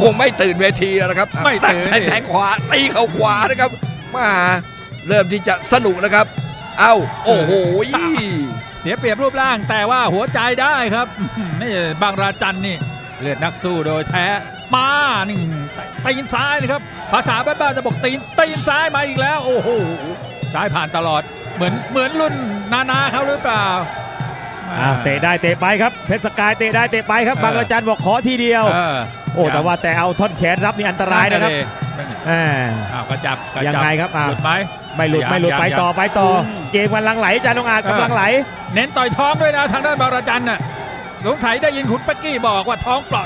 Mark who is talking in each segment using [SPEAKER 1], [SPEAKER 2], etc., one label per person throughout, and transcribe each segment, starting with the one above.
[SPEAKER 1] คงไม่ตื่นเวทีแล้วนะครับ
[SPEAKER 2] ไม่ตื่น
[SPEAKER 1] แทงขวาตีเข่าขวานะครับมาเริ่มที่จะสนุกนะครับเอ้าโอ้โห
[SPEAKER 2] เสียเปรียบรูปร่างแต่ว่าหัวใจได้ครับนี่บางราจันนี่เลือดนักสู้โดยแท้มานี่ตีนซ้ายเลยครับภาษาบ้านๆจะบอกตีนซ้ายมาอีกแล้วโอ้โหซ้ายผ่านตลอดเหมือนรุ่นนาเขาหรือเปล่า
[SPEAKER 3] เตะได้เตะไปครับเพชรสกายเตะได้เตะไปครับบางระจันบอกขอทีเดียวโอ้แต่ว่าแต่เอาท่อนแขนรับนี่อันตรายนะครับ
[SPEAKER 2] กระจับ
[SPEAKER 3] ยังไงครับ
[SPEAKER 2] หลุดไหม
[SPEAKER 3] ไม่หลุดไปต่อเกมมันลังไหลอาจารย์องอาจกำลังไหล
[SPEAKER 2] เน้นต่อยท้องด้วยนะทางด้านบางระจันน่ะสงสัยได้ยินคุณปักกี้บอกว่าท้องปลอด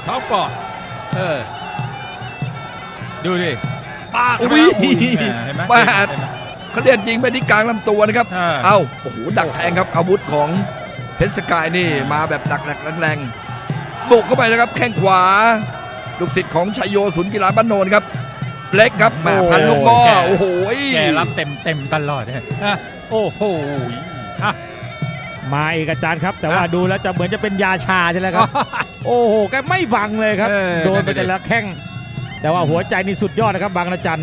[SPEAKER 2] ดูดิปาก
[SPEAKER 1] เห็นไหมเขาเรียกยิงไปที่กลางลำตัวนะครับเอ้าโอ้โหดักแทงครับอาวุธของเพชรสกายนี่มาแบบหนักแรงบุกเข้าไปนะครับแข้งขวาลูกศิษย์ของชัยโยศูนย์กีฬาบ้านโนนครับเล็กครับแม่พันลูกบอลโอ้โห
[SPEAKER 2] แกรับเต็มตลอดโอ้โห
[SPEAKER 3] มาอีกอาจารย์ครับแต่ว่าดูแล้วจะเหมือนจะเป็นยาชาใช่ไหมครับโอ้โหแกไม่บังเลยครับโดนไปแต่ละแข้งแต่ว่าหัวใจนี่สุดยอดนะครับบางระจัน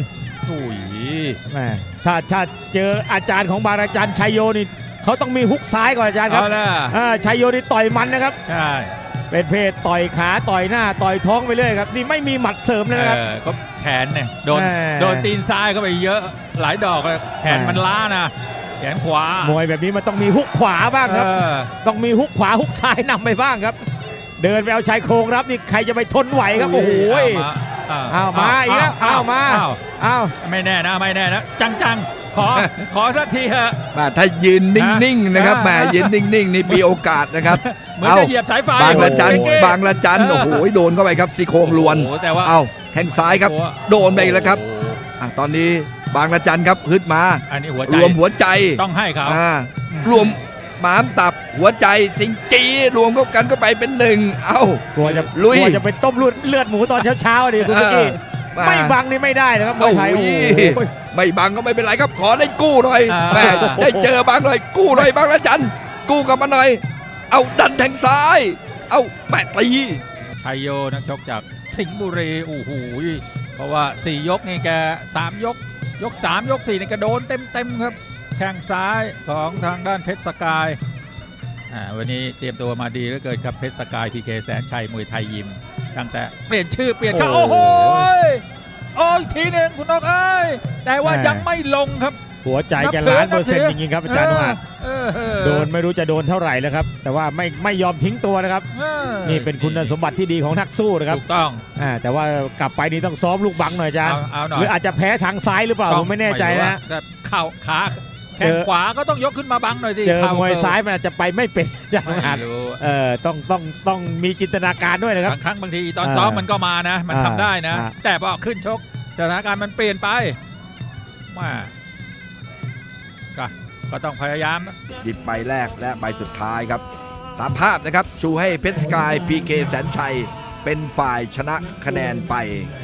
[SPEAKER 3] ถ้าเจออาจารย์ของบางระจันชัยโยนี่เขาต้องมีฮุกซ้ายก่อนอาจารย์ครับชัยโยนี่ต่อยมันนะครับ
[SPEAKER 2] ใช่
[SPEAKER 3] เป็นเพศต่อยขาต่อยหน้าต่อยท้องไปเรื่อยครับนี่ไม่มีหมัดเสริมเลยนะครับ
[SPEAKER 2] ก็แขนเนี่ยโดนตีนซ้ายเข้าไปเยอะหลายดอกแขนมันล้านะแขนขวาม
[SPEAKER 3] วยแบบนี้มันต้องมีฮุกขวาบ้างครับต้องมีฮุกขวาฮุกซ้ายนำไปบ้างครับเดินไปเอาชายโครงรับนี่ใครจะไปทนไหวครับโอ้โหมาอีกแล้วมา
[SPEAKER 2] ไม่แน่นะจังขอสักทีเถอะ
[SPEAKER 1] ถ้ายืนนิ่งๆนะครับยืนนิ่งๆนี่มีโอกาสนะครับ
[SPEAKER 2] เหมือนจะเหยียบสายไฟ
[SPEAKER 1] บางระจันโอ้โหโดนเข้าไปครับซี่โครงล้วนแข้งซ้ายครับโดนไปแล้วครับตอนนี้บางระจันครับฮึดมารวมหัวใจ
[SPEAKER 2] ต้องให้เขา
[SPEAKER 1] รวมหมามตับหัวใจสิงจีรวมเข้ากันก็ไปเป็นหนึ่ง
[SPEAKER 3] กลัวจะเป็นต้มเลือดหมูตอนเช้าดิคุณกี้ไม่บังนี่ไม่ได้นะครับมวยไทย
[SPEAKER 1] ไม่บังก็ไม่เป็นไรครับขอได้กู้หน่อยได้เจอบังหน่อยกู้หน่อยบางระจันกู้กับมันหน่อยเอาดันแทงซ้ายเอาแปะตี
[SPEAKER 2] ชัยโยนักชกจากสิงห์บุรีโอ้โหเพราะว่า4ยกนี่แก3ยก3ยก4นี่กระโดนเต็มครับแข้งซ้ายของทางด้านเพชรสกายวันนี้เตรียมตัวมาดีเหลือเกินครับเพชรสกายพีเคแสนชัยมวยไทยยิมตั้งแต่เปลี่ยนชื่อเปลี่ยนค่าโอ้โหอีกทีหนึ่งคุณนกแต่ว่ายังไม่ลงครับ
[SPEAKER 3] หัวใจจะ1,000,000%จริงๆครับอาจารย์นุอาโดนไม่รู้จะโดนเท่าไหร่แล้วครับแต่ว่าไม่ยอมทิ้งตัวนะครับนี่เป็นคุณสมบัติที่ดีของนักสู้นะครับ
[SPEAKER 2] ถูกต้อง
[SPEAKER 3] แต่ว่ากลับไปนี่ต้องซ้อมลูกบังหน่อยอาจารย์หรืออาจจะแพ้ทางซ้ายหรือเปล่าผมไม่แน่ใจนะ
[SPEAKER 2] เข่าขาแขนขวาก็ต้องยกขึ้นมาบังหน่อยสิ
[SPEAKER 3] เจอมวยซ้ายมันอาจจะไปไม่เป็นอย่างนั้นต้องมีจินตนาการด้วยนะครับ
[SPEAKER 2] บางทีตอนซ้อมมันก็มานะมันทำได้นะแต่พอขึ้นชกสถานการณ์มันเปลี่ยนไปก็ต้องพยายาม
[SPEAKER 1] หยิบใบแรกและใบสุดท้ายครับตามภาพนะครับชูให้เพชรสกายพีเคแสนชัยเป็นฝ่ายชนะคะแนนไป